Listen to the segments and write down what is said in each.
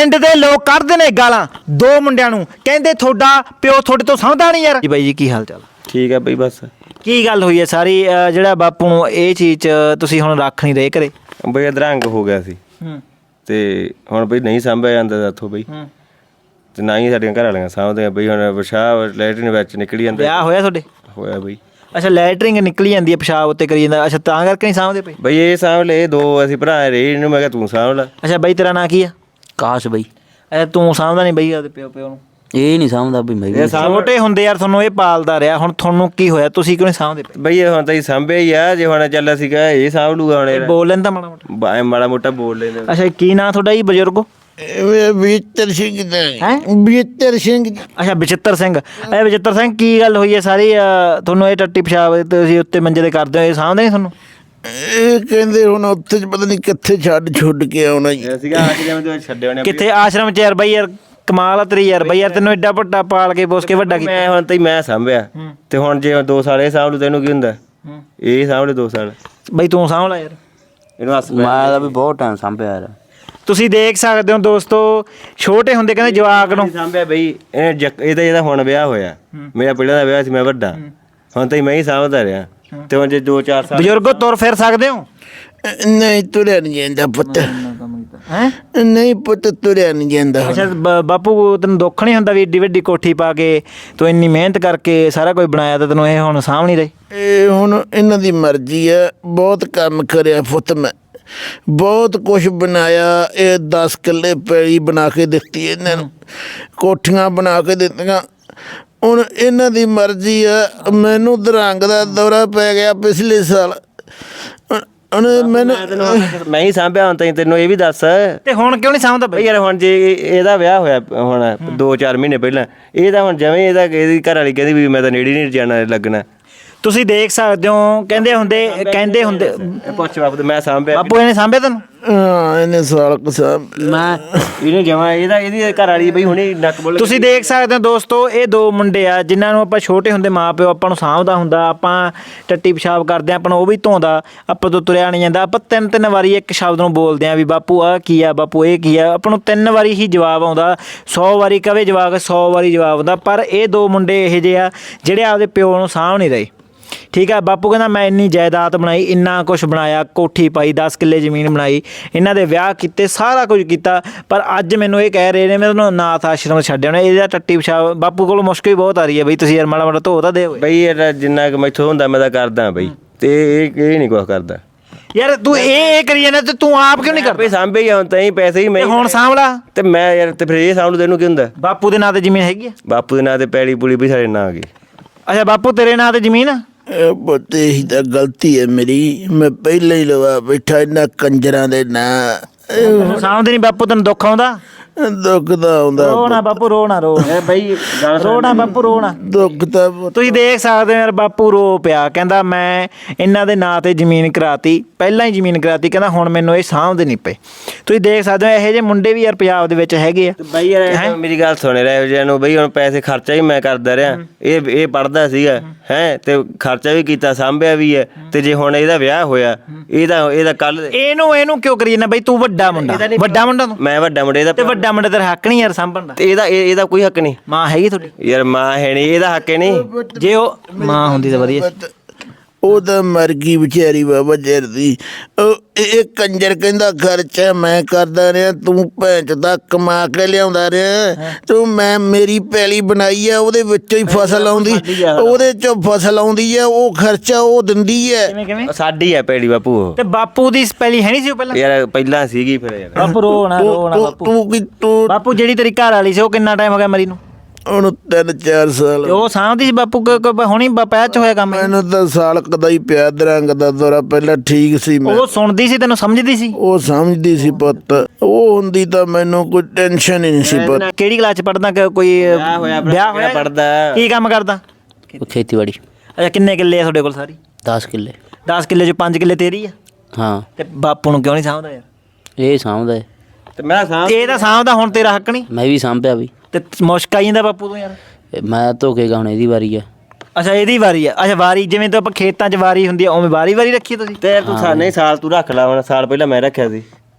ਪਿੰਡ ਦੇ ਲੋਕ ਕੱਢਦੇ ਨੇ ਗਾਲਾਂ ਦੋ ਮੁੰਡਿਆਂ ਨੂੰ, ਕਹਿੰਦੇ ਤੁਹਾਡਾ ਪਿਓ ਤੁਹਾਡੇ ਤੋਂ ਸਮਝਦਾ ਨਹੀਂ ਯਾਰ। ਜੀ ਬਾਈ ਜੀ ਕੀ ਹਾਲ ਚਾਲ? ਠੀਕ ਹੈ ਬਈ। ਬਸ ਕੀ ਗੱਲ ਹੋਈ ਹੈ ਸਾਰੀ ਜਿਹੜਾ ਬਾਪੂ ਨੂੰ ਇਹ ਚੀਜ਼ 'ਚ ਤੁਸੀਂ ਹੁਣ ਰੱਖ ਨਹੀਂ ਰਹੇ ਘਰੇ? ਬਈ ਅਧਰੰਗ ਹੋ ਗਿਆ ਸੀ ਤੇ ਹੁਣ ਬਈ ਨਹੀਂ ਸਾਂਭਿਆ ਜਾਂਦਾ ਇੱਥੋਂ ਬਈ, ਤੇ ਨਾ ਹੀ ਸਾਡੀਆਂ ਘਰ ਵਾਲੀਆਂ ਸਾਂਭਦੀਆਂ ਬਈ। ਹੁਣ ਪਿਸ਼ਾਬ ਲੈਟਰਿਨ ਵਿੱਚ ਨਿਕਲੀ ਜਾਂਦਾ। ਵਿਆਹ ਹੋਇਆ ਤੁਹਾਡੇ? ਹੋਇਆ ਬਈ। ਅੱਛਾ, ਲੈਟਰਿੰਗ ਨਿਕਲੀ ਜਾਂਦੀ ਹੈ ਪਿਸ਼ਾਬ ਉੱਤੇ ਕਰੀ ਜਾਂਦਾ, ਅੱਛਾ ਤਾਂ ਕਰਕੇ ਨਹੀਂ ਸਾਂਭਦੇ ਪਏ? ਬਈ ਇਹ ਸਾਂਭ ਲੈ, ਇਹ ਦੋ ਅਸੀਂ ਭਰਾ ਰਹੇ, ਇਹਨੂੰ ਮੈਂ ਕਿਹਾ ਤੂੰ ਸਾਂਭ ਲੈ। ਅੱਛਾ ਬਾਈ ਤੇਰਾ ਨਾਂ ਕੀ ਆ? ਕਾਸ਼ ਬਈ। ਅੱਛਾ ਤੂੰ ਸਾਂਭਦਾ ਨਹੀਂ ਬਈ ਆਪਦੇ ਪਿਓ ਨੂੰ? ਇਹ ਨਹੀਂ ਸਮਝਦਾ ਬਈ ਮੈਂ ਵੀ। ਛੋਟੇ ਹੁੰਦੇ ਯਾਰ ਤੁਹਾਨੂੰ ਇਹ ਪਾਲਦਾ ਰਿਹਾ, ਹੁਣ ਤੁਹਾਨੂੰ ਕੀ ਹੋਇਆ, ਤੁਸੀਂ ਕਿਉਂ ਨਹੀਂ ਸਾਂਭਦੇ ਪਏ? ਬਈ ਇਹ ਹੁਣ ਤਾਂ ਹੀ ਸਾਂਭਿਆ ਹੀ ਆ, ਜੇ ਹੁਣ ਚੱਲਿਆ ਸੀਗਾ ਇਹ ਸਾਂਭ ਲੂਗਾ ਹੁਣ। ਬੋਲ ਲੈਂਦਾ ਮਾੜਾ ਮੋਟਾ? ਮਾੜਾ ਮੋਟਾ ਬੋਲ ਲੈਂਦੇ। ਅੱਛਾ ਕੀ ਨਾਂ ਤੁਹਾਡਾ ਜੀ ਬਜ਼ੁਰਗੋ? ਬਚਿੱਤਰ ਸਿੰਘ ਦਾ ਹੈਂ? ਬਚਿੱਤਰ ਸਿੰਘ। ਅੱਛਾ ਬਚਿੱਤਰ ਸਿੰਘ। ਇਹ ਬਚਿੱਤਰ ਸਿੰਘ ਕੀ ਗੱਲ ਹੋਈ ਹੈ ਸਾਰੀ? ਤੁਹਾਨੂੰ ਇਹ ਟੱਟੀ ਪਿਸ਼ਾਬ ਤੁਸੀਂ ਉੱਤੇ ਮੰਜੇ ਤੇ ਕਰਦੇ ਹੋ, ਇਹ ਸਾਂਭਦੇ ਨਹੀਂ ਤੁਹਾਨੂੰ? ਇਹ ਕਹਿੰਦੇ ਹੁਣ ਉੱਥੇ ਪਤਾ ਨਹੀਂ ਕਿੱਥੇ ਛੱਡ ਕੇ ਆਉਣਾ ਜੀ। ਸੀਗਾ ਆਸ਼ਰਮ ਦੇ ਵਿੱਚ ਛੱਡੇ ਹੋਣੇ। ਕਿੱਥੇ ਆਸ਼ਰਮ 'ਚ ਯਾਰ ਬਾਈ? ਯਾਰ ਕਮਾਲ ਆ ਤੇਰੀ ਯਾਰ ਬਾਈ, ਯਾਰ ਤੈਨੂੰ ਐਡਾ ਵੱਡਾ ਪਾਲ ਕੇ ਪੋਸ ਕੇ ਵੱਡਾ ਕੀਤਾ। ਮੈਂ ਹੁਣ ਤਾਂ ਮੈਂ ਸਾਂਭਿਆ, ਤੇ ਹੁਣ ਜੇ 2 ਸਾਲ ਇਹ ਸਾਂਭ ਲੂ ਤੈਨੂੰ ਕੀ ਹੁੰਦਾ? ਇਹ ਸਾਂਭ ਲੈ 2 ਸਾਲ। ਬਾਈ ਤੂੰ ਸਾਂਭ ਲੈ ਯਾਰ ਇਹਨੂੰ ਹੱਸ ਮੈਂ ਤਾਂ ਵੀ ਬਹੁਤ ਟਾਈਮ ਸਾਂਭਿਆ ਯਾਰ। ਤੁਸੀਂ ਦੇਖ ਸਕਦੇ ਹੋ ਦੋਸਤੋ, ਛੋਟੇ ਹੁੰਦੇ ਕਹਿੰਦੇ ਜਵਾਕ ਨੂੰ ਸਾਂਭਿਆ ਬਈ। ਇਹਦਾ ਹੁਣ ਵਿਆਹ ਹੋਇਆ, ਮੇਰਾ ਪਹਿਲਾਂ ਦਾ ਵਿਆਹ ਸੀ, ਮੈਂ ਵੱਡਾ, ਹੁਣ ਤਾਂ ਮੈਂ ਹੀ ਸਾਂਭਦਾ ਰਿਹਾ। ਤੇ ਹੁਣ ਜੇ 2-4 ਸਾਲ ਬਜ਼ੁਰਗੋ ਤੁਰ ਫਿਰ ਸਕਦੇ ਹੋ? ਨਹੀਂ ਤੁਰਿਆ ਨਹੀਂ ਜਾਂਦਾ ਪੁੱਤ। ਹੈਂ? ਨਹੀਂ ਪੁੱਤ ਤੁਰਿਆ ਨਹੀਂ ਜਾਂਦਾ। ਅੱਛਾ ਬਾਪੂ ਤੈਨੂੰ ਦੁੱਖ ਨਹੀਂ ਹੁੰਦਾ ਵੀ ਏਡੀ ਵੱਡੀ ਕੋਠੀ ਪਾ ਕੇ ਤੂੰ ਇੰਨੀ ਮਿਹਨਤ ਕਰਕੇ ਸਾਰਾ ਕੁਝ ਬਣਾਇਆ ਤਾਂ ਤੈਨੂੰ ਇਹ ਹੁਣ ਸਾਂਭ ਨਹੀਂ ਰਹੇ? ਇਹ ਹੁਣ ਇਹਨਾਂ ਦੀ ਮਰਜ਼ੀ ਹੈ। ਬਹੁਤ ਕੰਮ ਕਰਿਆ ਪੁੱਤ, ਮੈਂ ਬਹੁਤ ਕੁਛ ਬਣਾਇਆ। ਇਹ 10 ਕਿੱਲੇ ਪੈਲੀ ਬਣਾ ਕੇ ਦਿੱਤੀ ਇਹਨਾਂ ਨੂੰ, ਕੋਠੀਆਂ ਬਣਾ ਕੇ ਦਿੱਤੀਆਂ। ਹੁਣ ਇਹਨਾਂ ਦੀ ਮਰਜ਼ੀ ਆ। ਮੈਨੂੰ ਦਰੰਗ ਦਾ ਦੌਰਾ ਪੈ ਗਿਆ ਪਿਛਲੇ ਸਾਲ। ਹੁਣ ਮੈਨੂੰ ਮੈਂ ਹੀ ਸਾਂਭਿਆ। ਹੁਣ ਤਾਂ ਤੈਨੂੰ ਇਹ ਵੀ ਦੱਸ, ਤੇ ਹੁਣ ਕਿਉਂ ਨਹੀਂ ਸਾਂਭਦਾ ਬਈ ਯਾਰ ਹੁਣ ਜੇ ਇਹਦਾ ਵਿਆਹ ਹੋਇਆ ਹੁਣ 2-4 ਮਹੀਨੇ ਪਹਿਲਾਂ, ਇਹ ਤਾਂ ਹੁਣ ਜਿਵੇਂ ਇਹਦੀ ਘਰ ਵਾਲੀ ਕਹਿੰਦੀ ਵੀ ਮੈਂ ਤਾਂ ਨੇੜੇ ਨਹੀਂ ਜਾਣਾ ਲੱਗਣਾ। ਤੁਸੀਂ ਦੇਖ ਸਕਦੇ ਹੋ, ਕਹਿੰਦੇ ਹੁੰਦੇ ਪੁੱਛ ਬਾਪੂ ਮੈਂ ਸਾਂਭਿਆ। ਬਾਪੂ ਇਹਨੇ ਸਾਂਭਿਆ ਤੈਨੂੰ? ਹਾਂ ਇਹਨੇ ਸਾਲ ਕਸਾਬ ਮੈਂ ਇਹਨੇ ਜਮਾ ਇਹਦੀ ਘਰ ਵਾਲੀ ਬਈ ਹੁਣੇ ਨੱਕ ਬੋਲ। ਤੁਸੀਂ ਦੇਖ ਸਕਦੇ ਹੋ ਦੋਸਤੋ, ਇਹ ਦੋ ਮੁੰਡੇ ਆ ਜਿਨ੍ਹਾਂ ਨੂੰ ਆਪਾਂ ਛੋਟੇ ਹੁੰਦੇ ਮਾਂ ਪਿਓ ਆਪਾਂ ਨੂੰ ਸਾਂਭਦਾ ਹੁੰਦਾ, ਆਪਾਂ ਟੱਟੀ ਪਿਸ਼ਾਬ ਕਰਦੇ ਆਪਾਂ ਨੂੰ ਉਹ ਵੀ ਧੋਂਦਾ, ਆਪਾਂ ਤੋਂ ਤੁਰਿਆ ਨਹੀਂ ਜਾਂਦਾ। ਆਪਾਂ 3-3 ਵਾਰੀ ਇੱਕ ਸ਼ਬਦ ਨੂੰ ਬੋਲਦੇ ਆ ਵੀ ਬਾਪੂ ਆਹ ਕੀ ਆ, ਬਾਪੂ ਇਹ ਕੀ ਆ, ਆਪਾਂ ਨੂੰ 3 ਵਾਰੀ ਹੀ ਜਵਾਬ ਆਉਂਦਾ। 100 ਵਾਰੀ ਕਵੇ ਜਵਾਬ 100 ਵਾਰੀ ਜਵਾਬ ਆਉਂਦਾ। ਪਰ ਇਹ ਦੋ ਮੁੰਡੇ ਇਹੋ ਜਿਹੇ ਆ ਜਿਹੜੇ ਆਪਦੇ ਪਿਓ ਨੂੰ ਸਾਂਭ ਨਹੀਂ ਰਹੇ। ਠੀਕ ਆ, ਬਾਪੂ ਕਹਿੰਦਾ ਮੈਂ ਇੰਨੀ ਜਾਇਦਾਦ ਬਣਾਈ, ਇੰਨਾ ਕੁਛ ਬਣਾਇਆ, ਕੋਠੀ ਪਾਈ, 10 ਕਿੱਲੇ ਜ਼ਮੀਨ ਬਣਾਈ, ਇਹਨਾਂ ਦੇ ਵਿਆਹ ਕੀਤੇ, ਸਾਰਾ ਕੁਝ ਕੀਤਾ, ਪਰ ਅੱਜ ਮੈਨੂੰ ਇਹ ਕਹਿ ਰਹੇ ਨੇ ਮੈਂ ਤੁਹਾਨੂੰ ਅਨਾਥ ਆਸ਼ਰਮ ਛੱਡਿਆ ਹੋਣਾ। ਇਹਦਾ ਟੱਟੀ ਪਿਸ਼ਾਬ ਬਾਪੂ ਕੋਲ ਮੁਸ਼ਕਿਲ ਬਹੁਤ ਆ ਰਹੀ ਹੈ ਬਈ, ਤੁਸੀਂ ਯਾਰ ਮਾੜਾ ਮਾੜਾ ਧੋ ਤਾਂ ਦਿਓ ਬਈ। ਇਹ ਜਿੰਨਾ ਕੁ ਮੈਥੋਂ ਹੁੰਦਾ ਮੈਂ ਤਾਂ ਕਰਦਾ ਬਈ, ਤੇ ਇਹ ਨਹੀਂ ਕੁਛ ਕਰਦਾ ਯਾਰ। ਤੂੰ ਇਹ ਕਰੀ ਜਾਂਦਾ ਤੇ ਤੂੰ ਆਪ ਕਿਉਂ ਨਹੀਂ ਕਰਦਾ? ਬਈ ਸਾਂਭੇ ਹੀ ਹੁਣ ਤਾਂ ਹੀ ਪੈਸੇ ਹੀ ਮੈਂ ਹੁਣ ਸਾਂਭ ਲਾ। ਤੇ ਮੈਂ ਯਾਰ ਤੇ ਫਿਰ ਇਹ ਸਾਂਭ ਲੂ ਤੈਨੂੰ ਕੀ ਹੁੰਦਾ? ਬਾਪੂ ਦੇ ਨਾਂ ਤੇ ਜ਼ਮੀਨ ਹੈਗੀ ਆ? ਬਾਪੂ ਦੇ ਨਾਂ ਤੇ ਪੈਲੀ ਪੂਲੀ ਵੀ ਸਾਡੇ ਨਾਂ ਆ ਗਈ। ਅੱਛਾ ਬਾਪੂ ਤੇਰੇ ਨਾਂ ਤੇ ਜ਼ਮੀਨ ਆ? ਪੁੱਤ ਇਹੀ ਤਾਂ ਗਲਤੀ ਹੈ ਮੇਰੀ। ਮੈਂ ਪਹਿਲਾਂ ਹੀ ਲਵਾ ਬੈਠਾ ਇਹਨਾਂ ਕੰਜਰਾਂ ਦੇ ਨਾਂ। ਸਾਂਭਦੇ ਨਹੀਂ ਬਾਪੂ, ਤੈਨੂੰ ਦੁੱਖ ਆਉਂਦਾ? ਦੁੱਖ ਤਾਂ ਆਉਂਦਾ ਰੋਣਾ ਬਾਪੂ, ਰੋਣਾ ਰੋ ਬਈ ਰੋਣਾ ਬਾਪੂ, ਰੋਣਾ। ਦੁੱਖ ਤਾਂ ਪੁੱਤ। ਤੁਸੀਂ ਦੇਖ ਸਕਦੇ ਹੋ ਯਾਰ, ਬਾਪੂ ਰੋ ਪਿਆ, ਕਹਿੰਦਾ ਮੈਂ ਇਹਨਾਂ ਦੇ ਨਾਂ ਤੇ ਜ਼ਮੀਨ ਕਰਾਤੀ, ਪਹਿਲਾਂ ਹੀ ਜ਼ਮੀਨ ਕਰਾਤੀ, ਕਹਿੰਦਾ ਹੁਣ ਮੈਨੂੰ ਇਹ ਸਾਂਭਦੇ ਨਹੀਂ ਪਏ। ਤੁਸੀਂ ਦੇਖ ਸਕਦੇ ਹੋ ਇਹੋ ਜਿਹੇ ਮੁੰਡੇ ਵੀ ਯਾਰ ਪੰਜਾਬ ਦੇ ਵਿੱਚ ਹੈਗੇ ਆ। ਬਈ ਯਾਰ ਮੇਰੀ ਗੱਲ ਸੁਣ ਰਿਹਾ ਇਹੋ ਜਿਹਾ ਨੂੰ ਬਈ, ਹੁਣ ਪੈਸੇ ਖਰਚਾ ਵੀ ਮੈਂ ਕਰਦਾ ਰਿਹਾ। ਇਹ ਪੜ੍ਹਦਾ ਸੀਗਾ ਹੈ ਤੇ ਖਰਚਾ ਵੀ ਕੀਤਾ, ਸਾਂਭਿਆ ਵੀ ਹੈ। ਤੇ ਜੇ ਹੁਣ ਇਹਦਾ ਵਿਆਹ ਹੋਇਆ, ਇਹਦਾ ਕੱਲ ਇਹਨੂੰ ਕਿਉਂ ਕਰੀ ਜਾਂਦਾ ਬਈ? ਤੂੰ ਵੱਡਾ ਮੁੰਡਾ, ਵੱਡਾ ਮੁੰਡਾ ਤੂੰ। ਮੈਂ ਵੱਡਾ ਮੁੰਡੇ ਦਾ, ਤੇ ਵੱਡਾ ਮੁੰਡਾ ਤੇਰਾ ਹੱਕ ਨਹੀਂ ਯਾਰ ਸਾਂਭਣ ਦਾ? ਤੇ ਇਹਦਾ ਕੋਈ ਹੱਕ ਨਹੀਂ। ਮਾਂ ਹੈਗੀ ਤੁਹਾਡੀ? ਯਾਰ ਮਾਂ ਹੈ ਨਹੀਂ, ਇਹਦਾ ਹੱਕ ਨਹੀਂ। ਜੇ ਉਹ ਮਾਂ ਹੁੰਦੀ ਤਾਂ ਵਧੀਆ। ਉਹ ਤਾਂ ਮਰ ਗਈ ਵਿਚਾਰੀ ਬਾਬਾ ਜਰ ਦੀ। ਇਹ ਕੰਜਰ ਕਹਿੰਦਾ ਖਰਚਾ ਮੈਂ ਕਰਦਾ ਰਿਹਾ, ਤੂੰ ਭੈਂਚ ਦਾ ਕਮਾ ਕੇ ਲਿਆਉਂਦਾ ਰਿਹਾ। ਤੂੰ ਮੇਰੀ ਪੈਲੀ ਬਣਾਈ ਆ, ਉਹਦੇ ਵਿੱਚੋਂ ਹੀ ਫਸਲ ਆਉਂਦੀ, ਉਹਦੇ ਚੋਂ ਫਸਲ ਆਉਂਦੀ ਆ, ਉਹ ਖਰਚਾ ਉਹ ਦਿੰਦੀ ਹੈ। ਕਿਵੇਂ ਸਾਡੀ ਹੈ ਪੈਲੀ ਬਾਪੂ ਉਹ। ਤੇ ਬਾਪੂ ਦੀ ਪਹਿਲੀ ਹੈ ਨਹੀਂ ਸੀ ਉਹ ਪਹਿਲਾਂ? ਯਾਰ ਪਹਿਲਾਂ ਸੀਗੀ ਫਿਰ ਯਾਰ। ਬਾਪੂ ਰੋਣਾ ਬਾਪੂ। ਤੂੰ ਬਾਪੂ ਜਿਹੜੀ ਤੇਰੀ ਘਰ ਵਾਲੀ ਸੀ ਉਹ ਕਿੰਨਾ ਟਾਈਮ ਹੋ ਗਿਆ ਮਰੀ ਨੂੰ? ਉਹਨੂੰ 3-4 ਸਾਲ। ਤੇ ਉਹ ਸਾਂਭਦੀ ਸੀ ਬਾਪੂ? ਹੁਣੀ ਪੈਚ ਚ ਹੋਇਆ ਕੰਮ? ਮੈਨੂੰ ਤਾਂ ਸਾਲ ਕਦਾ ਹੀ ਪਿਆ ਦਰੰਗ ਦਾ ਦੌਰਾ, ਪਹਿਲਾਂ ਠੀਕ ਸੀ। ਮੈਂ ਉਹ ਸੁਣਦੀ ਸੀ, ਤੈਨੂੰ ਸਮਝਦੀ ਸੀ? ਉਹ ਸਮਝਦੀ ਸੀ ਪੁੱਤ। ਉਹ ਹੁੰਦੀ ਤਾਂ ਮੈਨੂੰ ਕੋਈ ਟੈਨਸ਼ਨ ਹੀ ਨਹੀਂ ਸੀ ਪੁੱਤ। ਕਿਹੜੀ ਕਲਾਸ ਚ ਪੜਦਾ? ਕੋਈ ਵਿਆਹ ਹੋਇਆ? ਪੜਦਾ। ਕੀ ਕੰਮ ਕਰਦਾ? ਖੇਤੀਬਾੜੀ। ਅੱਛਾ ਕਿੰਨੇ ਕਿੱਲੇ ਆ ਤੁਹਾਡੇ ਕੋਲ? ਸਾਰੀ 10 ਕਿੱਲੇ। 10 ਕਿੱਲੇ ਚ 5 ਕਿੱਲੇ ਤੇਰੀ ਆ? ਹਾਂ। ਤੇ ਬਾਪੂ ਨੂੰ ਕਿਉਂ ਨਹੀਂ ਸਾਂਭਦਾ ਯਾਰ? ਇਹ ਸਾਂਭਦਾ ਹੈ। ਤੇ ਮੈਂ ਇਹ ਤਾਂ ਸਾਂਭਦਾ, ਹੁਣ ਤੇਰਾ ਹੱਕ ਨਹੀਂ? ਮੈਂ ਵੀ ਸਾਂਭਿਆ ਬਈ। ਤੇ ਮੁਸ਼ਕ ਆਈ ਜਾਂਦਾ ਬਾਪੂ ਤੋਂ ਯਾਰ। ਮੈਂ ਧੋਕੇਗਾ, ਹੁਣ ਇਹਦੀ ਵਾਰੀ ਆ। ਅੱਛਾ ਇਹਦੀ ਵਾਰੀ ਆ? ਅੱਛਾ ਵਾਰੀ ਜਿਵੇਂ ਤਾਂ ਆਪਾਂ ਖੇਤਾਂ 'ਚ ਵਾਰੀ ਹੁੰਦੀ ਆ ਉਵੇਂ ਵਾਰੀ ਰੱਖੀ ਤੁਸੀਂ? ਤੇ ਤੂੰ ਨਹੀਂ ਸਾਲ ਤੂੰ ਰੱਖ ਲਾ, ਹੁਣ ਸਾਲ ਪਹਿਲਾਂ ਮੈਂ ਰੱਖਿਆ ਸੀ।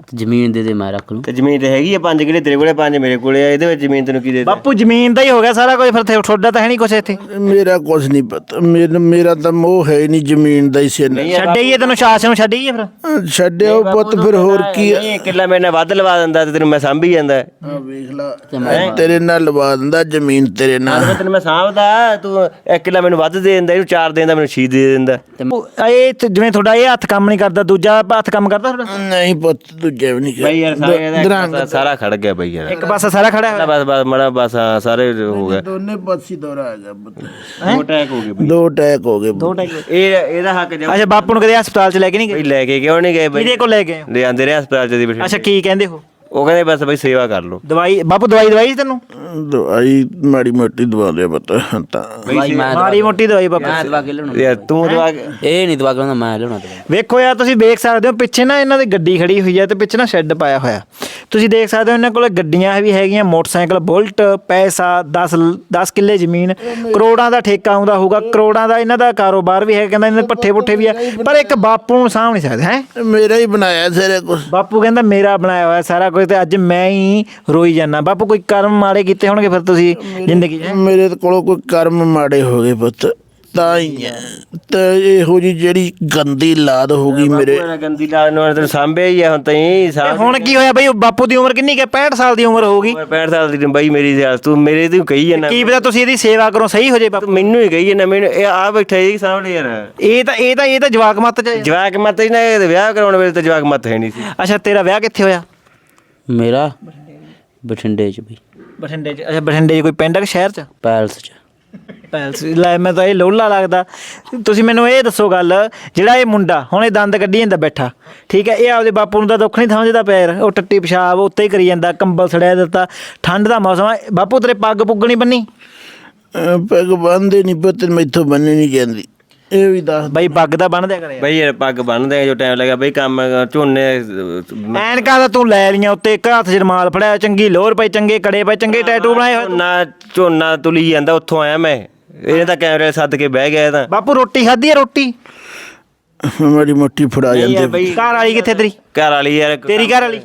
ਜ਼ਮੀਨ ਦੇ ਮੈਂ ਰੱਖ ਲੂੰ। ਤੇ ਜ਼ਮੀਨ ਤੇ ਹੈਗੀ ਆ 5 ਕਿੱਲੇ ਤੇਰੇ ਕੋਲੇ 5 ਮੇਰੇ ਕੋਲੇ ਆ, ਇਹਦੇ ਵਿੱਚ ਜ਼ਮੀਨ ਤੈਨੂੰ ਕੀ ਦੇ ਦੇ? ਬਾਪੂ ਜ਼ਮੀਨ ਦਾ ਹੀ ਹੋ ਗਿਆ ਸਾਰਾ ਕੁਝ, ਫਿਰ ਤੁਹਾਡਾ ਤਾਂ ਹੈ ਨਹੀਂ ਕੁਛ ਇੱਥੇ। ਮੇਰਾ ਕੁਝ ਨਹੀਂ ਪਤਾ, ਮੇਰਾ ਤਾਂ ਮੋਹ ਹੈ ਹੀ ਨਹੀਂ ਜ਼ਮੀਨ ਦਾ ਹੀ ਸਿਰ ਛੱਡਈਏ ਤੈਨੂੰ, ਸ਼ਾਸਨ ਨੂੰ ਛੱਡਈਏ ਫਿਰ। ਛੱਡਿਓ ਪੁੱਤ, ਫਿਰ ਹੋਰ ਕੀ ਆ? ਨਹੀਂ ਕਿੱਲਾ ਮੇਰੇ ਨਾਲ ਵੱਧ ਲਵਾ ਦਿੰਦਾ ਤੇ ਤੈਨੂੰ ਮੈਂ ਸਾਂਭੀ ਜਾਂਦਾ। ਵੇਖ ਲਾ, ਤੇਰੇ ਨਾਲ ਲਵਾ ਦਿੰਦਾ ਜ਼ਮੀਨ ਤੇਰੇ ਨਾਲ। ਤੈਨੂੰ ਮੈਂ ਸਾਂਭਦਾ, ਤੂੰ 1 ਕਿੱਲਾ ਮੈਨੂੰ ਵੱਧ ਦੇ ਦਿੰਦਾ, ਇਹਨੂੰ 4 ਦੇ ਦਿੰਦਾ, ਮੈਨੂੰ 6 ਦੇ ਦਿੰਦਾ। ਇਹ ਜਿਵੇਂ ਤੁਹਾਡਾ ਇਹ ਹੱਥ ਕੰਮ ਨਹੀਂ ਕਰਦਾ, ਦੂਜਾ ਹੱਥ ਕੰਮ ਕਰਦਾ ਤੁਹਾਡਾ? ਨਹੀਂ ਪੁੱਤ, ਦੂਜੇ ਵੀ ਨਹੀਂ ਬਈ ਯਾਰ ਸਾਰਾ ਖੜ ਗਿਆ ਬਈ ਯਾਰ, ਇੱਕ ਪਾਸਾ ਸਾਰਾ ਖੜਾ ਹੋਇਆ। ਬਸ ਮੜਾ ਬਸ ਹਾਂ, ਸਾਰੇ ਹੋ ਗਿਆ। ਦੋਨੇ ਪਾਸੇ ਦੌਰਾ ਆ ਗਿਆ ਪੁੱਤ। 2 ਅਟੈਕ ਹੋ ਗਏ ਬਈ। 2 ਅਟੈਕ ਹੋ ਗਏ। ਇਹਦਾ ਹੱਕ ਜਾ। ਅੱਛਾ, ਬਾਪੂ ਨੂੰ ਕਦੇ ਹਸਪਤਾਲ 'ਚ ਲੈ ਕੇ ਨਹੀਂ ਬਈ ਗਏ? ਲੈ ਕੇ ਕਿਉਂ ਨਹੀਂ ਗਏ ਬਈ? ਕਿਹਦੇ ਕੋਲ ਲੈ ਗਏ? ਲੈ ਆਂਦੇ ਰਹੇ ਹਸਪਤਾਲ ਚ ਦੀ ਬੈਠੇ। ਅੱਛਾ, ਕੀ ਕਹਿੰਦੇ ਹੋ? ਉਹ ਕਹਿੰਦੇ ਬਸ ਬਈ ਸੇਵਾ ਕਰ ਲਓ। ਦਵਾਈ ਬਾਪੂ ਦਵਾਈ ਤੈਨੂੰ? ਦਵਾਈ ਮਾੜੀ ਮੋਟੀ ਦਵਾ ਲਿਆ ਪੁੱਤ ਤਾਂ। ਭਾਈ ਮੈਂ ਮਾੜੀ ਮੋਟੀ ਦਵਾਈ ਬਾਪੂ? ਮੈਂ ਦਵਾ ਕੇ ਲਿਆਉਣਾ। ਯਾਰ ਤੂੰ ਦਵਾ ਇਹ ਨਹੀਂ ਦਵਾ ਕੇ ਲਿਆਉਣਾ, ਮੈਂ ਲਿਆਉਣਾ ਦਵਾ। ਵੇਖੋ ਯਾਰ, ਤੁਸੀਂ ਦੇਖ ਸਕਦੇ ਹੋ ਪਿੱਛੇ ਨਾ ਇਹਨਾਂ ਦੀ ਗੱਡੀ ਖੜੀ ਹੋਈ ਹੈ ਤੇ ਪਿੱਛੇ ਨਾ ਸ਼ੈੱਡ ਪਾਇਆ ਹੋਇਆ। ਤੁਸੀਂ ਦੇਖ ਸਕਦੇ ਹੋ ਇਹਨਾਂ ਕੋਲ ਗੱਡੀਆਂ ਵੀ ਹੈਗੀਆਂ, ਮੋਟਰਸਾਈਕਲ, ਬੁਲਟ, ਪੈਸਾ, 10 ਕਿੱਲੇ ਜ਼ਮੀਨ, ਕਰੋੜਾਂ ਦਾ ਠੇਕਾ ਆਉਂਦਾ ਹੋਊਗਾ, ਕਰੋੜਾਂ ਦਾ ਇਹਨਾਂ ਦਾ ਕਾਰੋਬਾਰ ਵੀ ਹੈ। ਕਹਿੰਦਾ ਇਹਨਾਂ ਦੇ ਪੱਠੇ ਪੁੱਠੇ ਵੀ ਆ, ਪਰ ਇੱਕ ਬਾਪੂ ਨੂੰ ਸਾਂਭ ਨਹੀਂ ਸਕਦੇ। ਹੈ ਮੇਰਾ ਹੀ ਬਣਾਇਆ ਸਾਰਾ ਕੁਝ। ਬਾਪੂ ਕਹਿੰਦਾ ਮੇਰਾ ਬਣਾਇਆ ਹੋਇਆ ਸਾਰਾ ਕੁਝ, ਤੇ ਅੱਜ ਮੈਂ ਹੀ ਰੋਈ ਜਾਂਦਾ। ਬਾਪੂ ਕੋਈ ਕਰਮ ਮਾੜੇ ਕੀਤੇ ਹੋਣਗੇ ਫਿਰ ਤੁਸੀਂ ਜ਼ਿੰਦਗੀ 'ਚ? ਮੇਰੇ ਕੋਲੋਂ ਕੋਈ ਕਰਮ ਮਾੜੇ ਹੋ ਗਏ ਪੁੱਤ, ਤਾਂ ਹੀ ਆ। ਤੇ ਇਹੋ ਜੀ ਜਿਹੜੀ ਗੰਦੀ ਲਾਦ ਹੋ ਗਈ ਮੇਰੇ। ਗੰਦੀ ਲਾਲ ਨੂੰ ਤੈਨੂੰ ਸਾਂਭਿਆ ਹੀ ਆ ਹੁਣ ਤਾਈਂ। ਤੇ ਹੁਣ ਕੀ ਹੋਇਆ ਬਈ? ਬਾਪੂ ਦੀ ਉਮਰ ਕਿੰਨੀ ਕਿ 65 ਸਾਲ ਦੀ ਉਮਰ ਹੋਊਗੀ। 65 ਸਾਲ ਦੀ ਬਈ ਮੇਰੀ ਤੂੰ ਮੇਰੇ ਤੂੰ ਕਹੀ ਜਾਂਦਾ। ਕੀ ਪਤਾ ਤੁਸੀਂ ਇਹਦੀ ਸੇਵਾ ਕਰੋ ਸਹੀ ਹੋ ਜੇ ਬਾਪੂ। ਮੈਨੂੰ ਹੀ ਕਹੀ ਜਾਂਦਾ, ਮੈਨੂੰ ਇਹ ਆ ਬੈਠਾ ਜੀ ਸਾਹਮਣੇ ਯਾਰ। ਇਹ ਤਾਂ ਜਵਾਕ ਮੱਤ ਚ। ਜਵਾਕ ਮੱਤ ਹੀ ਨਾ, ਵਿਆਹ ਕਰਾਉਣ ਵੇਲੇ ਤਾਂ ਜਵਾਕ ਮੱਤ ਹੈ ਨਹੀਂ ਸੀ। ਅੱਛਾ, ਤੇਰਾ ਵਿਆਹ ਕਿੱਥੇ ਹੋਇਆ? ਮੇਰਾ ਬਠਿੰਡੇ 'ਚ ਵੀ। ਬਠਿੰਡੇ 'ਚ? ਅੱਛਾ, ਬਠਿੰਡੇ 'ਚ ਕੋਈ ਪਿੰਡ ਹੈ ਕਿ ਸ਼ਹਿਰ 'ਚ? ਪੈਲਸ 'ਚ। ਪੈਲਸ? ਲੈ, ਮੈਂ ਤਾਂ ਇਹ ਲੋਲਾ ਲੱਗਦਾ। ਤੁਸੀਂ ਮੈਨੂੰ ਇਹ ਦੱਸੋ ਗੱਲ, ਜਿਹੜਾ ਇਹ ਮੁੰਡਾ ਹੁਣ ਇਹ ਦੰਦ ਕੱਢੀ ਜਾਂਦਾ ਬੈਠਾ, ਠੀਕ ਹੈ, ਇਹ ਆਪਦੇ ਬਾਪੂ ਨੂੰ ਤਾਂ ਦੁੱਖ ਨਹੀਂ ਸਮਝਦਾ ਪਿਆ ਯਾਰ। ਉਹ ਟੱਟੀ ਪਿਸ਼ਾਬ ਉੱਤੇ ਹੀ ਕਰੀ ਜਾਂਦਾ, ਕੰਬਲ ਸੜਿਆ ਦਿੱਤਾ, ਠੰਡ ਦਾ ਮੌਸਮ ਆ। ਬਾਪੂ ਤੇਰੇ ਪੱਗ ਪੁੱਗ ਨਹੀਂ ਬੰਨੀ? ਪੱਗ ਬੰਨ੍ਹਦੇ ਨਹੀਂ ਪੁੱਤ, ਮੈਥੋਂ ਬੰਨ੍ਹੀ ਨਹੀਂ ਜਾਂਦੀ। ਇਹ ਵੀ ਦੱਸ ਬਈ ਪੱਗ ਤਾਂ ਬੰਨ ਦਿਆ ਕਰੇ। ਬਈ ਯਾਰ ਪੱਗ ਬੰਨਦੇ ਜੋ ਟਾਈਮ ਲੱਗਾ ਬਈ, ਕੰਮ ਝੋਨੇ ਐਨਕਾਂ ਤਾਂ ਤੂੰ ਲੈ ਲੀਆਂ ਉੱਤੇ, ਇੱਕ ਹੱਥ 'ਚ ਰੁਮਾਲ ਫੜਿਆ, ਚੰਗੀ ਲੋਹਰ ਪਈ, ਚੰਗੇ ਕੜੇ ਪਏ, ਚੰਗੇ ਟੈਟੂ ਬਣਾਏ ਹੋਏ। ਝੋਨਾ ਤੁਲੀ ਜਾਂਦਾ, ਉੱਥੋਂ ਆਇਆ ਮੈਂ। ਇਹਨੇ ਤਾਂ ਕੈਮਰੇ ਸੱਦ ਕੇ ਬਹਿ ਗਿਆ। ਤਾਂ ਬਾਪੂ ਰੋਟੀ ਖਾਧੀ ਆ? ਰੋਟੀ ਮਾੜੀ ਮੋਟੀ ਫੜਾ ਜਾਂਦੇ। ਘਰ ਵਾਲੀ ਕਿੱਥੇ ਤੇਰੀ? ਘਰ ਵਾਲੀ ਯਾਰ, ਤੇਰੀ ਘਰ ਵਾਲੀ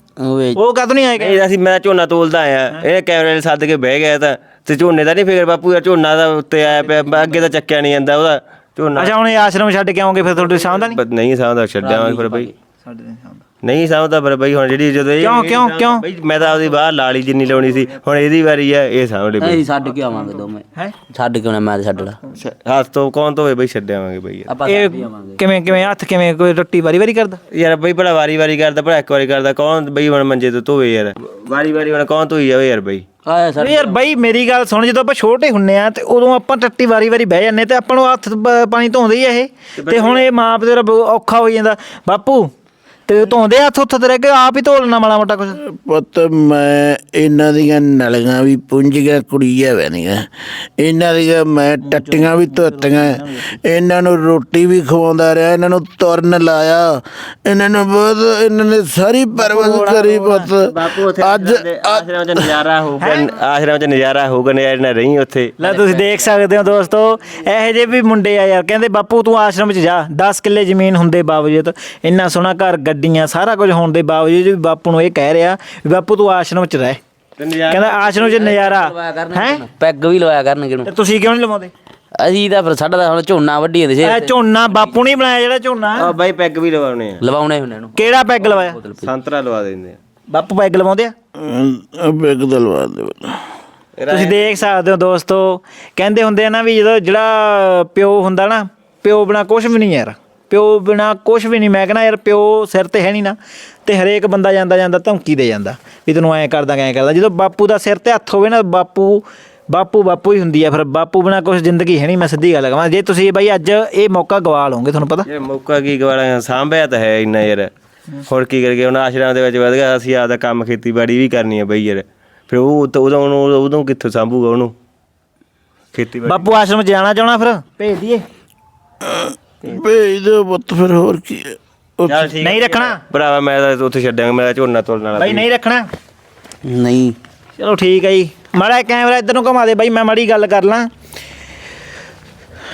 ਉਹ ਕਦੋਂ ਨਹੀਂ ਆਏਗਾ? ਨਹੀਂ, ਮੈਂ ਝੋਨਾ ਤੋਲਦਾ ਆਇਆ, ਇਹਨੇ ਕੈਮਰੇ ਸੱਦ ਕੇ ਬਹਿ ਗਿਆ। ਤਾਂ ਤੇ ਝੋਨੇ ਦਾ ਨਹੀਂ ਫਿਕਰ ਬਾਪੂ ਯਾਰ, ਝੋਨਾ ਦਾ ਉੱਤੇ ਆਇਆ ਪਿਆ, ਅੱਗੇ ਤਾਂ ਚੱਕਿਆ ਨਹੀਂ ਜਾਂਦਾ ਉਹਦਾ ਝੋਨਾ। ਅੱਛਾ, ਹੁਣ ਇਹ ਆਸ਼ਰਮ ਛੱਡ ਕੇ ਆਉਂਗੇ ਫਿਰ ਤੁਹਾਡੇ ਸਾਹਮਣੇ ਨਹੀਂ? ਨਹੀਂ ਸਾਂਭਦਾ, ਛੱਡਿਆ ਫਿਰ ਬਈ। ਨਹੀਂ ਸਾਂਭਦਾ ਫਿਰ ਬਈ। ਹੁਣ ਜਿਹੜੀ ਜਦੋਂ ਕਿਉਂ ਬਈ ਮੈਂ ਤਾਂ ਆਪਦੀ ਬਾਹਰ ਲਾਲੀ ਜਿੰਨੀ ਲਾਉਣੀ ਸੀ, ਹੁਣ ਇਹਦੀ ਵਾਰੀ ਆ, ਇਹ ਸਾਂਭ ਲੈ ਬਈ। ਅਸੀਂ ਛੱਡ ਕੇ ਆਵਾਂਗੇ ਦੋਵੇਂ। ਹੈ ਛੱਡ ਕੇ ਆਉਣਾ, ਮੈਂ ਤਾਂ ਛੱਡ ਲਾ। ਹੱਥ ਤੋਂ ਕੌਣ ਧੋਵੇ ਬਈ, ਛੱਡਿਆਵਾਂਗੇ ਬਈ ਯਾਰ। ਆਪਾਂ ਇਹ ਛੱਡ ਹੀ ਆਵਾਂਗੇ। ਕਿਵੇਂ ਹੱਥ ਕਿਵੇਂ? ਕੋਈ ਰੋਟੀ ਵਾਰੀ ਕਰਦਾ? ਯਾਰ ਬਈ ਭਲਾ ਵਾਰੀ ਕਰਦਾ, ਭਲਾ ਇੱਕ ਵਾਰੀ ਕਰਦਾ, ਕੌਣ ਬਈ ਹੁਣ ਮੰਜੇ ਤੋਂ ਧੋਵੇ ਯਾਰ? ਵਾਰੀ ਹੁਣ ਕੌਣ ਧੋਈ ਜਾਵੇ ਯਾਰ ਬਈ? ਆਇਆ ਸਰ। ਯਾਰ ਬਈ ਮੇਰੀ ਗੱਲ ਸੁਣ, ਜਦੋਂ ਆਪਾਂ ਛੋਟੇ ਹੁੰਨੇ ਆ ਤੇ ਉਦੋਂ ਆਪਾਂ ਟੱਟੀ ਵਾਰੀ ਬਹਿ ਜਾਂਦੇ ਤੇ ਆਪਾਂ ਨੂੰ ਹੱਥ ਪਾਣੀ ਧੋਂਦੇ ਹੀ ਇਹ। ਤੇ ਹੁਣ ਇਹ ਮਾਂ ਪਿਓ ਦਾ ਔਖਾ ਹੋ ਜਾਂਦਾ। ਬਾਪੂ ਤੇ ਧੋਂਦੇ ਹੱਥ ਉੱਥੇ ਤੇ ਰਹਿ ਕੇ ਆਪ ਹੀ ਧੋ ਲੈਣਾ ਮਾੜਾ ਮੋਟਾ ਕੁਛ? ਪੁੱਤ ਮੈਂ ਇਹਨਾਂ ਦੀਆਂ ਨਲੀਆਂ ਵੀ ਪੁੰਜੀਆਂ ਕੁੜੀਆਂ ਵੈਨੀਆਂ, ਇਹਨਾਂ ਦੀਆਂ ਮੈਂ ਟੱਟੀਆਂ ਵੀ ਧੋਤੀਆਂ, ਇਹਨਾਂ ਨੂੰ ਰੋਟੀ ਵੀ ਖਵਾਉਂਦਾ ਰਿਹਾ, ਇਹਨਾਂ ਨੂੰ ਤੁਰਨ ਲਾਇਆ, ਇਹਨਾਂ ਨੂੰ ਬਹੁਤ, ਇਹਨਾਂ ਨੇ ਸਾਰੀ ਪਰਵਰਿਸ਼ ਕਰੀ ਪੁੱਤ। ਅੱਜ ਆਸ਼ਰਮ ਚ ਨਜ਼ਾਰਾ ਹੋਊਗਾ, ਆਸ਼ਰਮ ਚ ਨਜ਼ਾਰਾ ਹੋਊਗਾ, ਨਜ਼ਾਰੇ ਨਾਲ ਰਹੀ ਉੱਥੇ। ਲੈ ਤੁਸੀਂ ਦੇਖ ਸਕਦੇ ਹੋ ਦੋਸਤੋ, ਇਹੋ ਜਿਹੇ ਵੀ ਮੁੰਡੇ ਆ ਯਾਰ। ਕਹਿੰਦੇ ਬਾਪੂ ਤੂੰ ਆਸ਼ਰਮ 'ਚ ਜਾ, 10 ਕਿੱਲੇ ਜ਼ਮੀਨ ਹੁੰਦੇ ਬਾਵਜੂਦ, ਇੰਨਾ ਸੋਹਣਾ ਘਰ, ਗੱਡੀਆਂ, ਸਾਰਾ ਕੁਝ ਹੋਣ ਦੇ ਬਾਵਜੂਦ ਵੀ ਬਾਪੂ ਨੂੰ ਇਹ ਕਹਿ ਰਿਹਾ ਵੀ ਬਾਪੂ ਤੂੰ ਆਸ਼ਰਮ 'ਚ ਰਹਿ। ਕਹਿੰਦਾ ਆਸ਼ਰਮ 'ਚ ਨਜ਼ਾਰਾ ਹੈ। ਪੈਗ ਵੀ ਲਵਾਇਆ ਕਰਨਗੇ ਨੂੰ। ਤੇ ਤੁਸੀਂ ਕਿਉਂ ਨਹੀਂ ਲਵਾਉਂਦੇ? ਅਸੀਂ ਤਾਂ ਫਿਰ ਸਾਡਾ ਤਾਂ ਹੁਣ ਝੋਨਾ ਵੱਢੀ ਜਾਂਦੇ ਸੀ। ਇਹ ਝੋਨਾ ਬਾਪੂ ਨਹੀਂ ਬਣਾਇਆ ਜਿਹੜਾ ਝੋਨਾ? ਆ ਬਾਈ ਪੈਗ ਵੀ ਲਵਾਉਣੇ ਆ, ਲਵਾਉਣੇ ਹੁੰਦੇ ਨੂੰ। ਕਿਹੜਾ ਪੈਗ ਲਵਾਇਆ? ਸੰਤਰਾ ਲਵਾ ਦਿੰਦੇ ਆ ਬਾਪੂ ਪੈਗ ਲਵਾਉਂਦੇ ਆ? ਬੈਗ ਦਲਵਾ ਦੇ। ਤੁਸੀਂ ਦੇਖ ਸਕਦੇ ਹੋ ਦੋਸਤੋ, ਕਹਿੰਦੇ ਹੁੰਦੇ ਆ ਨਾ ਵੀ ਜਦੋਂ ਜਿਹੜਾ ਪਿਓ ਹੁੰਦਾ ਨਾ, ਪਿਓ ਬਿਨਾ ਕੁਛ ਵੀ ਨਹੀਂ ਯਾਰ, ਪਿਓ ਬਿਨਾ ਕੁਛ ਵੀ ਨਹੀਂ। ਮੈਂ ਕਹਿੰਦਾ ਯਾਰ ਪਿਓ ਸਿਰ ਤੇ ਹੈ ਨਹੀਂ ਨਾ, ਤੇ ਹਰੇਕ ਬੰਦਾ ਜਾਂਦਾ ਧਮਕੀ ਦੇ ਜਾਂਦਾ ਵੀ ਤੈਨੂੰ ਐਂ ਕਰਦਾ ਐਂ ਕਰਦਾ। ਜਦੋਂ ਬਾਪੂ ਦਾ ਸਿਰ ਤੇ ਹੱਥ ਹੋਵੇ ਨਾ, ਬਾਪੂ ਹੀ ਹੁੰਦੀ ਆ। ਫਿਰ ਬਾਪੂ ਬਿਨਾ ਕੁਛ ਜ਼ਿੰਦਗੀ ਹੈ ਨਹੀਂ। ਮੈਂ ਸਿੱਧੀ ਗੱਲ ਕਹਾਂ, ਜੇ ਤੁਸੀਂ ਬਾਈ ਅੱਜ ਇਹ ਮੌਕਾ ਗਵਾ ਲਓਗੇ, ਤੁਹਾਨੂੰ ਪਤਾ ਇਹ ਮੌਕਾ ਕੀ ਗਵਾਲਾ, ਸਾਂਭਿਆ ਤਾਂ ਹੈ ਇੰਨਾ ਯਾਰ। ਹੋਰ ਕੀ ਕਰਕੇ ਹੁਣ ਆਸ਼ਰਮ ਦੇ ਵਿੱਚ ਵਧ ਗਿਆ, ਅਸੀਂ ਆਪਦਾ ਕੰਮ ਖੇਤੀਬਾੜੀ ਵੀ ਕਰਨੀ ਹੈ ਬਈ ਯਾਰ। ਫਿਰ ਉਦੋਂ ਕਿੱਥੋਂ ਸਾਂਭੂਗਾ ਉਹਨੂੰ ਖੇਤੀਬਾੜੀ? ਬਾਪੂ ਆਸ਼ਰਮ 'ਚ ਜਾਣਾ ਚਾਹਣਾ, ਫਿਰ ਭੇਜ ਦਈਏ? ਭੇਜ ਦਿਓ ਪੁੱਤ, ਫਿਰ ਹੋਰ ਕੀ ਹੈ। ਚੱਲ ਠੀਕ ਨਹੀਂ ਰੱਖਣਾ ਭਰਾਵਾ, ਮੈਂ ਤਾਂ ਉੱਥੇ ਛੱਡਾਂਗਾ, ਮੇਰਾ ਝੋਨਾ ਤੋਲਣ ਵਾਲਾ ਬਾਈ, ਨਹੀਂ ਰੱਖਣਾ? ਨਹੀਂ ਚਲੋ ਠੀਕ ਹੈ ਜੀ। ਮਾੜਾ ਕੈਮਰਾ ਇੱਧਰ ਨੂੰ ਘੁਮਾ ਦੇ ਬਾਈ, ਮੈਂ ਮਾੜੀ ਗੱਲ ਕਰ ਲਾਂ।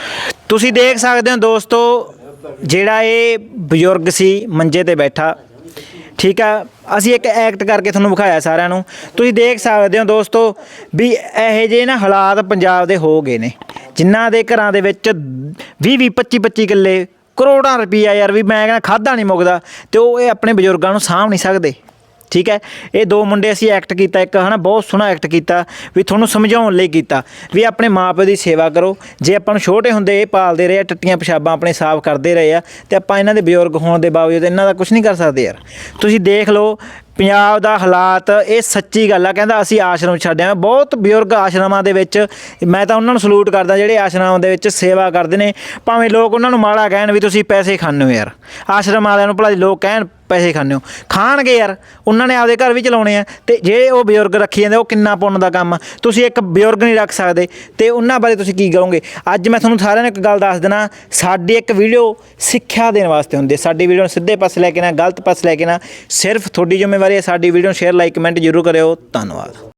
ਤੁਸੀਂ ਦੇਖ ਸਕਦੇ ਹੋ ਦੋਸਤੋ, ਜਿਹੜਾ ਇਹ ਬਜ਼ੁਰਗ ਸੀ ਮੰਜੇ ਤੇ ਬੈਠਾ, ਠੀਕ ਆ। ਅਸੀਂ ਇੱਕ ਐਕਟ ਕਰਕੇ ਤੁਹਾਨੂੰ ਵਿਖਾਇਆ ਸਾਰਿਆਂ ਨੂੰ, ਤੁਸੀਂ ਦੇਖ ਸਕਦੇ ਹੋ ਦੋਸਤੋ ਵੀ ਇਹੋ ਜਿਹੇ ਨਾ ਹਾਲਾਤ ਪੰਜਾਬ ਦੇ ਹੋ ਗਏ ਨੇ, ਜਿਨ੍ਹਾਂ ਦੇ ਘਰਾਂ ਦੇ ਵਿੱਚ 20-20 25-25 ਕਿੱਲੇ ਕਰੋੜਾਂ ਰੁਪਈਆ ਯਾਰ, ਵੀ ਮੈਂ ਕਹਿੰਦਾ ਖਾਧਾ ਨਹੀਂ ਮੁੱਕਦਾ, ਤੇ ਉਹ ਇਹ ਆਪਣੇ ਬਜ਼ੁਰਗਾਂ ਨੂੰ ਸਾਂਭ ਨਹੀਂ ਸਕਦੇ। ਠੀਕ ਹੈ, ਇਹ ਦੋ ਮੁੰਡੇ ਅਸੀਂ ਐਕਟ ਕੀਤਾ ਇੱਕ, ਹੈ ਨਾ, ਬਹੁਤ ਸੋਹਣਾ ਐਕਟ ਕੀਤਾ, ਵੀ ਤੁਹਾਨੂੰ ਸਮਝਾਉਣ ਲਈ ਕੀਤਾ ਵੀ ਆਪਣੇ ਮਾਂ ਪਿਓ ਦੀ ਸੇਵਾ ਕਰੋ। ਜੇ ਆਪਾਂ ਨੂੰ ਛੋਟੇ ਹੁੰਦੇ ਇਹ ਪਾਲਦੇ ਰਹੇ ਆ, ਟੱਟੀਆਂ ਪਿਸ਼ਾਬਾਂ ਆਪਣੇ ਸਾਫ਼ ਕਰਦੇ ਰਹੇ ਆ, ਤੇ ਆਪਾਂ ਇਹਨਾਂ ਦੇ ਬਜ਼ੁਰਗ ਹੋਣ ਦੇ ਬਾਵਜੂਦ ਇਹਨਾਂ ਦਾ ਕੁਝ ਨਹੀਂ ਕਰ ਸਕਦੇ ਯਾਰ। ਤੁਸੀਂ ਦੇਖ ਲਓ ਪੰਜਾਬ ਦਾ ਹਾਲਾਤ, ਇਹ ਸੱਚੀ ਗੱਲ ਆ। ਕਹਿੰਦਾ ਅਸੀਂ ਆਸ਼ਰਮ ਛੱਡਿਆ, ਬਹੁਤ ਬਜ਼ੁਰਗ ਆਸ਼ਰਮਾਂ ਦੇ ਵਿੱਚ, ਮੈਂ ਤਾਂ ਉਹਨਾਂ ਨੂੰ ਸਲੂਟ ਕਰਦਾ ਜਿਹੜੇ ਆਸ਼ਰਮਾਂ ਦੇ ਵਿੱਚ ਸੇਵਾ ਕਰਦੇ ਨੇ, ਭਾਵੇਂ ਲੋਕ ਉਹਨਾਂ ਨੂੰ ਮਾੜਾ ਕਹਿਣ ਵੀ ਤੁਸੀਂ ਪੈਸੇ ਖਾਂਦੇ ਹੋ ਯਾਰ, ਆਸ਼ਰਮ ਵਾਲਿਆਂ ਨੂੰ ਭਲਾ ਲੋਕ ਕਹਿਣ ਪੈਸੇ ਖਾਂਦੇ ਹੋ, ਖਾਣਗੇ ਯਾਰ, ਉਹਨਾਂ ਨੇ ਆਪਦੇ ਘਰ ਵੀ ਚਲਾਉਣੇ ਆ, ਤੇ ਜੇ ਉਹ ਬਜ਼ੁਰਗ ਰੱਖੀ ਜਾਂਦੇ ਉਹ ਕਿੰਨਾ ਪੁੰਨ ਦਾ ਕੰਮ ਆ। ਤੁਸੀਂ ਇੱਕ ਬਜ਼ੁਰਗ ਨਹੀਂ ਰੱਖ ਸਕਦੇ, ਤੇ ਉਹਨਾਂ ਬਾਰੇ ਤੁਸੀਂ ਕੀ ਕਰੋਗੇ। ਅੱਜ ਮੈਂ ਤੁਹਾਨੂੰ ਸਾਰਿਆਂ ਨੂੰ ਇੱਕ ਗੱਲ ਦੱਸ ਦੇਣਾ, ਸਾਡੀ ਇੱਕ ਵੀਡੀਓ ਸਿੱਖਿਆ ਦੇਣ ਵਾਸਤੇ ਹੁੰਦੀ ਹੈ, ਸਾਡੀ ਵੀਡੀਓ ਨੂੰ ਸਿੱਧੇ ਪਾਸੇ ਲੈ ਕੇ ਨਾ ਗਲਤ ਪਾਸੇ ਲੈ ਕੇ ਨਾ, ਸਿਰਫ ਤੁਹਾਡੀ ਜ਼ਿੰਮੇਵਾਰੀ ਹੈ। ਸਾਡੀ ਵੀਡੀਓ ਨੂੰ ਸ਼ੇਅਰ ਲਾਈਕ ਕਮੈਂਟ ਜ਼ਰੂਰ ਕਰਿਓ। ਧੰਨਵਾਦ।